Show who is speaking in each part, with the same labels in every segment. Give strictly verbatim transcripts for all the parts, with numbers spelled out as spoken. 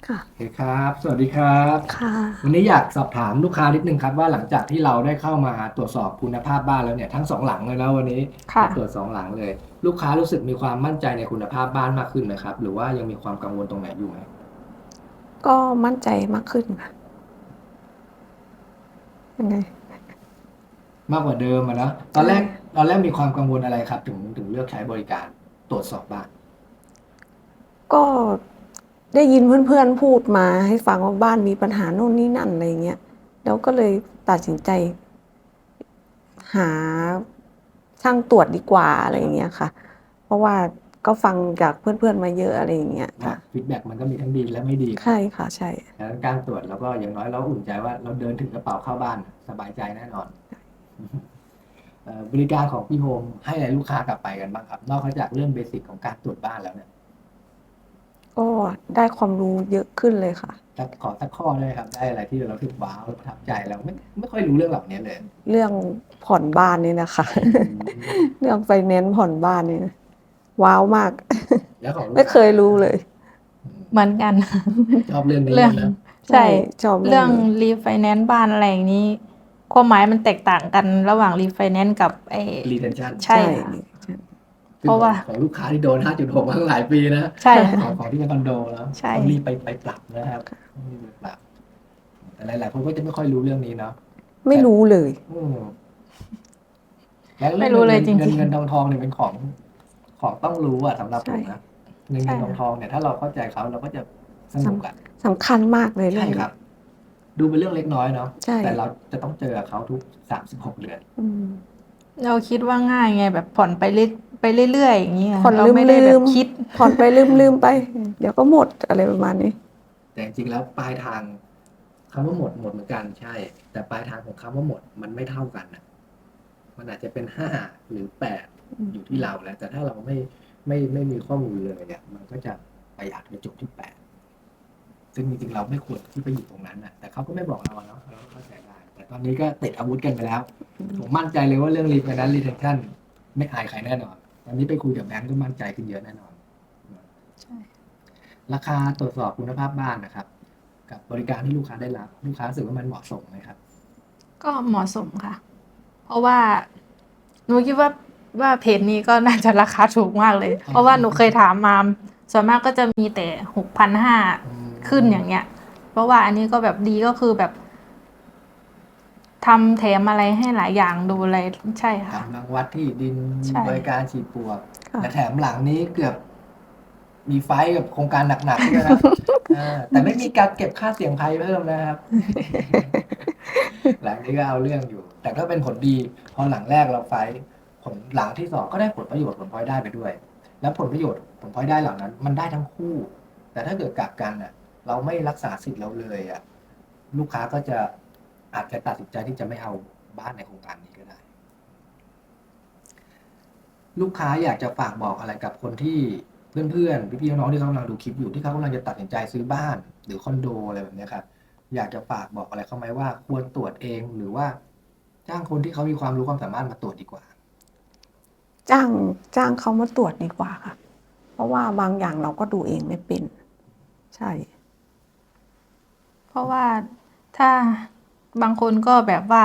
Speaker 1: ค่ะ
Speaker 2: โอเคครับ สวัสดีครับ
Speaker 1: ค่ะ
Speaker 2: วันนี้อยากสอบถามลูกค้านิดนึงครับว่าหลังจากที่เราได้เข้ามาตรวจสอบคุณภาพบ้านแล้วเนี่ยทั้งสองหลังเลยนะวันนี้
Speaker 1: ค่ะ
Speaker 2: มาตรวจสองหลังเลยลูกค้ารู้สึกมีความมั่นใจในคุณภาพบ้านมากขึ้นไหมครับหรือว่ายังมีความกังวลตรงไหนอยู่ไหม
Speaker 1: ก็มั่นใจมากขึ้นค่ะยังไง
Speaker 2: มากกว่าเดิมอะนะตอน
Speaker 1: ใช่
Speaker 2: แรกตอนแรกมีความกังวลอะไรครับถึงถึงเลือกใช้บริการตรวจสอบบ้าน
Speaker 1: ก็ได้ยินเพื่อนๆพูดมาให้ฟังว่าบ้านมีปัญหาโน่นนี่นั่นอะไรเงี้ยแล้วก็เลยตัดสินใจหาช่างตรวจดีกว่าอะไรเงี้ยค่ะ เพราะว่าก็ฟังจากเพื่อนๆมาเยอะอะไรอย่างเงี้ย
Speaker 2: นะ
Speaker 1: ค่ะ
Speaker 2: ฟีดแบ็กมันก็มีทั้งดีและไม่ดีนะ
Speaker 1: ใช่ค่ะใช่
Speaker 2: ดังนั้นการตรวจเราก็อย่างน้อยเราอุ่นใจว่าเราเดินถึงกระเป๋าเข้าบ้านสบายใจแน่นอน เอ่อบริการของพี่โฮมให้อะไรลูกค้ากลับไปกันบ้างครับนอกจากเรื่องเบสิกของการตรวจบ้านแล้วเนี่ย
Speaker 1: ก็ได้ความรู้เยอะขึ้นเลยค่ะ
Speaker 2: สักขอสักข้อเลยครับได้อะไรที่เราถึกว้าวประทับใจเราไม่ไม่ค่อยรู้เรื่องเหล่านี้เลย
Speaker 1: เรื่องผ่อนบ้านนี่นะคะ
Speaker 2: อืม
Speaker 1: เรื่องไฟแนนซ์ผ่อนบ้านนี่ว้าวมาก
Speaker 2: แล้วของ ลูก
Speaker 1: ไม่เค
Speaker 2: ค้า
Speaker 1: ยรู้เลย
Speaker 2: อืม
Speaker 3: เหมือนกัน
Speaker 2: ชอบเรื่องนี้
Speaker 3: เรื่อง
Speaker 2: เลยนะ
Speaker 1: ใช่
Speaker 3: ใช่
Speaker 1: ชอบเรื่
Speaker 3: เรื่อง
Speaker 1: องนี้
Speaker 3: รีไฟแนนซ์บ้านอะไรอย่างนี้ความหมายมันแตกต่างกันระหว่างรีไฟแนนซ์กับไอ้
Speaker 2: retention
Speaker 3: ใช่ค่ะ
Speaker 2: ซึ่งของ
Speaker 3: เพราะว่า
Speaker 2: ของลูกค้าที่โดนห้าจุดหกมาตั้งหลายปีนะ
Speaker 3: ใช่
Speaker 2: ขอ
Speaker 3: ค่ะ
Speaker 2: งของที่เป็นคอนโดแล้ว
Speaker 3: ใช่
Speaker 2: ต้องรีบไปไปปรับนะครับต้องรีบไปปรับแต่หลายๆคนก็จะไม่ค่อยรู้เรื่องนี้เนาะ
Speaker 1: ไม่
Speaker 2: แต่
Speaker 1: รู้เลย
Speaker 2: อืมแล้วเรื่
Speaker 3: ไม่
Speaker 2: อง
Speaker 3: รู้
Speaker 2: เงินเงิน
Speaker 3: เลยจริง
Speaker 2: เงินเงินทองทองเนี่ยเป็นของของต้องรู้อะสำหรับผ
Speaker 1: ใช่
Speaker 2: มนะเงิน
Speaker 3: ๆใช่
Speaker 2: เงินทองท
Speaker 3: ค่ะ
Speaker 2: องเนี่ยถ้าเราเข้าใจเขาเราก็จะส
Speaker 1: ส
Speaker 2: นุกอะ
Speaker 1: ำสำคัญมากเลยเรื่
Speaker 2: ใช่
Speaker 1: องนี้
Speaker 2: ครับดูเป็นเรื่องเล็กน้อยเนาะ
Speaker 1: ใช่
Speaker 2: แต่เราจะต้องเจอกับเขาทุกสามสิบหกเดือน
Speaker 1: อืม
Speaker 3: เราคิดว่าง่ายไงแบบผ่อนไปเรื่อยไปเรื่อยๆอย่างนี้ไง
Speaker 1: ผ่อน
Speaker 3: เรา
Speaker 1: ลืมลื
Speaker 3: ไม่ได้แบบ
Speaker 1: ม
Speaker 3: คิด
Speaker 1: ผ่อนไปลืมลืมไป เดี๋ยวก็หมดอะไรประมาณนี้
Speaker 2: แต่จริงๆแล้วปลายทางคำว่าหมดหมดเหมือนกันใช่แต่ปลายทางของคำว่าหมดมันไม่เท่ากันนะมันอาจจะเป็นห้าหรือแปดอยู่ที่เราแล้วแต่ถ้าเราไม่ไม่ไม่มีข้อมูลเลยเนี่ยมันก็จะไปอาจจะจบที่แปด ซึ่งจริงๆเราไม่ควรที่ไปอยู่ตรงนั้นนะแต่เขาก็ไม่บอกเราเนาะเราก็เข้าใจได้แต่ตอนนี้ก็ติดอาวุธกันไปแล้วผมมั่นใจเลยว่าเรื่องรีไฟแนนซ์รีเทนชั่นไม่อายใครแน่นอนตอนนี้ไปคุยกับแบงก์ก็มั่นใจขึ้นเยอะแน่นอน
Speaker 3: ใช่
Speaker 2: ราคาตรวจสอบคุณภาพบ้านนะครับกับบริการที่ลูกค้าได้รับลูกค้ารู้สึกว่ามันเหมาะสมไหมครับ
Speaker 3: ก็เหมาะสมค่ะ เพราะว่าหนูคิดว่าว่าเพจนี้ก็น่าจะราคาถูกมากเลย เพราะว่าหนูเคยถามมาส่วนมากก็จะมีแต่หกพันห้าขึ้นอย่างเงี้ย เพราะว่าอันนี้ก็แบบดีก็คือแบบทำแถมอะไรให้หลายอย่างดูอะไรใช่ค่ะ
Speaker 2: กำลังวัดที่ดินมี
Speaker 3: ใช่
Speaker 2: บริการฉีดปลวก
Speaker 1: ค่ะ
Speaker 2: แต่แถมหลังนี้เกือบมีไฟท์กับโครงการหนักๆด้วยนะอ่าแต่ไม่มีการเก็บค่าเสี่ยงภัยเพิ่มนะครับ หลังนี้ก็เอาเรื่องอยู่ แต่ก็เป็นผลดีพอหลังแรกเราไฟท์ผลหลังที่สองก็ได้ผลประโยชน์ผลพลอยได้ไปด้วย แล้วผลประโยชน์ผลพลอยได้เหล่านั้น มันได้ทั้งคู่ แต่ถ้าเกิดกลับกันอ่ะ เราไม่รักษาสิทธิ์เราเลยอ่ะลูกค้าก็จะอาจจะตัดสินใจที่จะไม่เอาบ้านในโครงการนี้ก็ได้ ลูกค้าอยากจะฝากบอกอะไรกับคนที่เพื่อนๆพี่ๆน้องๆที่เขากำลังดูคลิปอยู่ที่เขากำลังจะตัดสินใจซื้อบ้านหรือคอนโดอะไรแบบนี้ครับอยากจะฝากบอกอะไรเขาไหมว่าควรตรวจเองหรือว่าจ้างคนที่เขามีความรู้ความสามารถมาตรวจดีกว่า
Speaker 1: จ้างจ้างเขามาตรวจดีกว่าค่ะ เพราะว่าบางอย่างเราก็ดูเองไม่เป็น ใช่
Speaker 3: เพราะว่าถ้าบางคนก็แบบว่า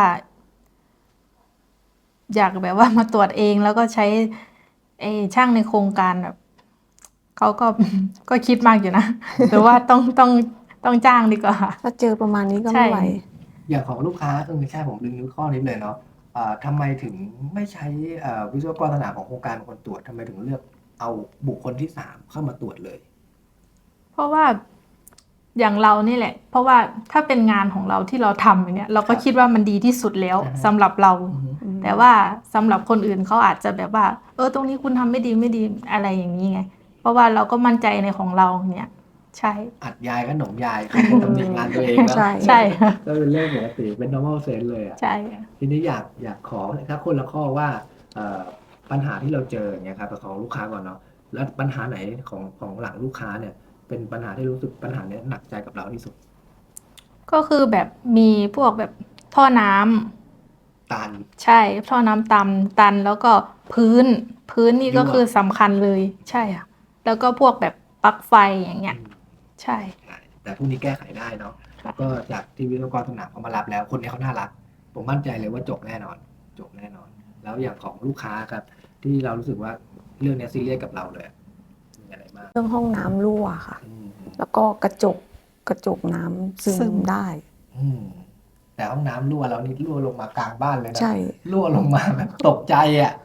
Speaker 3: อยากแบบว่ามาตรวจเองแล้วก็ใช้ไอ้ช่างในโครงการแบบเขาก็ ก็คิดมากอยู่นะหรือว่าต้องต้องต้องจ้างดีกว่า
Speaker 1: ถ้าเจอประมาณนี้ก็
Speaker 3: ใช่
Speaker 1: ไม่ไหว
Speaker 2: อย่างของลูกค้าเออใช่ผมลืมนึกข้อนี้เลยเนาะอ่าทำไมถึงไม่ใช้อ่าวิศวกรสนามของโครงการเป็นคนตรวจทำไมถึงเลือกเอาบุคคลที่สามเข้ามาตรวจเลย
Speaker 3: เพราะว่าอย่างเรานี่แหละ เพราะว่าถ้าเป็นงานของเราที่เราทำอย่างเงี้ยเราก็คิดว่ามันดีที่สุดแล้วสำหรับเรา แต่ว่าสำหรับคนอื่นเขาอาจจะแบบว่า เออตรงนี้คุณทำไม่ดีไม่ดีอะไรอย่างนี้ไง เพราะว่าเราก็มั่นใจในของเราเนี่ย ใช่
Speaker 2: อัดยายขนมยายใครจะตำหนิงานตัวเองนะ
Speaker 1: ใช่
Speaker 3: ใช่
Speaker 2: ก็เป็นเรื่องปกติเป็น normal sense เลยอ่ะ
Speaker 3: ใช่
Speaker 2: ทีนี้อยากอยากขอถ้าคนละข้อว่าเอ่อปัญหาที่เราเจออย่างเงี้ยครับของลูกค้าก่อนเนาะแล้วปัญหาไหนของของหลังลูกค้าเนี่ย เป็นปัญหาที่รู้สึกปัญหาเนี้ยหนักใจกับเราที่สุด
Speaker 3: ก็คือแบบมีพวกแบบท่อน้ำ
Speaker 2: ตัน
Speaker 3: ใช่ท่อน้ำตันตันแล้วก็พื้นพื้นนี่ก็
Speaker 2: รั่ว
Speaker 3: คือสำคัญเลยใช่ค่ะแล้วก็พวกแบบปลั๊กไฟอย่างเงี้ย
Speaker 2: อืม
Speaker 3: ใช่
Speaker 2: ใช่แต่พวกนี้แก้ไขได้เนาะแล้วก็จากที่วิศวกรสนามเขามารับแล้ว คนนี้เขาน่ารัก ผมมั่นใจเลยว่าจบแน่นอน จบแน่นอน แล้วอย่างของลูกค้าครับ ที่เรารู้สึกว่าเรื่องเนี้ยซีเรียสกับเราเลยมีอะไรบ้าง
Speaker 1: เรื่องห้องน้ำรั่วค่ะ
Speaker 2: อืม
Speaker 1: แล้วก็กระจกกระจกน้ำซึ
Speaker 3: ซึ
Speaker 1: ม
Speaker 3: ม
Speaker 1: ได้
Speaker 2: อืมแต่ห้องน้ำรั่วแล้วนี่รั่วลงมากลางบ้านเลยนะ
Speaker 1: ใช่
Speaker 2: รั่วลงมาแบบตกใจอ่ะ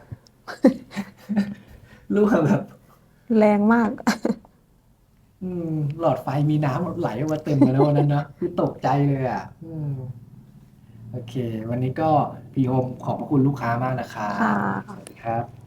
Speaker 2: รั่วแบบ
Speaker 1: แรงมาก
Speaker 2: อืมหลอดไฟมีน้ำไหลออกมาเต็มเลยนะวันนั้นนะคือตกใจเลยอ่ะ อืมโอเค วันนี้ก็พี่โฮมขอบพระคุณลูกค้ามากนะครับ
Speaker 1: ค่ะ
Speaker 2: สวัสดีครับ